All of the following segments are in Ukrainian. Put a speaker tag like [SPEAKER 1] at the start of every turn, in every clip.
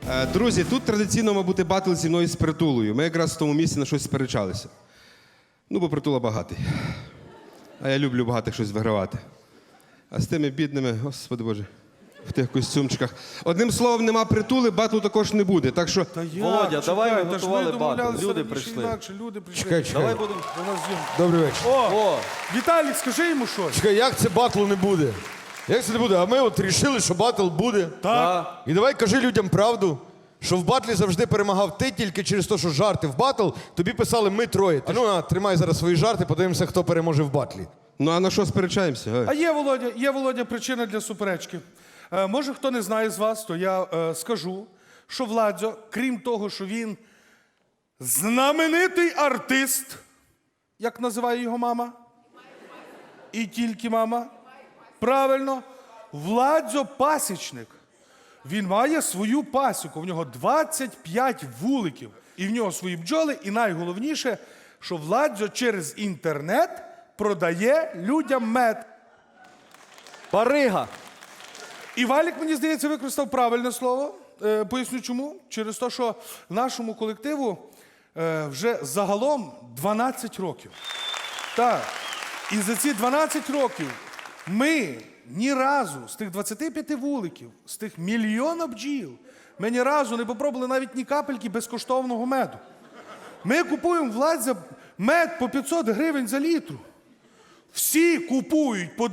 [SPEAKER 1] Друзі, тут традиційно мав бути батл зі мною з Притулою. Ми якраз в тому місці на щось сперечалися. Ну, бо Притула багатий. А я люблю багатих щось вигравати. А з тими бідними, господи боже, в тих костюмчиках. Одним словом, нема Притули, батлу також не буде. Так що,
[SPEAKER 2] Володя, давай ми готували батл. Люди прийшли.
[SPEAKER 3] Чекай.
[SPEAKER 2] Давай будемо.
[SPEAKER 3] Добрий вечір.
[SPEAKER 2] О,
[SPEAKER 4] Віталік, скажи йому щось.
[SPEAKER 3] Чекай, як це батлу не буде? Як це не буде? А ми от рішили, що батл буде.
[SPEAKER 4] Так.
[SPEAKER 3] І давай кажи людям правду, що в батлі завжди перемагав ти тільки через те, що жарти в батл тобі писали ми троє. А ну, тримай зараз свої жарти, подивимося, хто переможе в батлі.
[SPEAKER 1] ну а на що сперечаємося?
[SPEAKER 4] А є, Володя, причина для суперечки. Може, хто не знає з вас, то я скажу, що Владзо, крім того, що він знаменитий артист, як називає його мама? І тільки мама? Правильно. Владзо пасічник. Він має свою пасіку. В нього 25 вуликів. І в нього свої бджоли. І найголовніше, що Владзо через інтернет продає людям мед.
[SPEAKER 2] барига.
[SPEAKER 4] І Валік, мені здається, використав правильне слово. Поясню чому. Через те, що нашому колективу вже загалом 12 років. Так. І за ці 12 років ми ні разу з тих 25 вуликів, з тих мільйона бджіл, ми ні разу не попробували навіть ні капельки безкоштовного меду. Ми купуємо Владзя мед по 500 гривень за літру. Всі купують по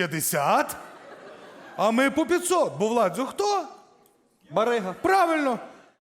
[SPEAKER 4] 250, а ми по 500. Бо Владзо хто?
[SPEAKER 2] Барига.
[SPEAKER 4] Правильно.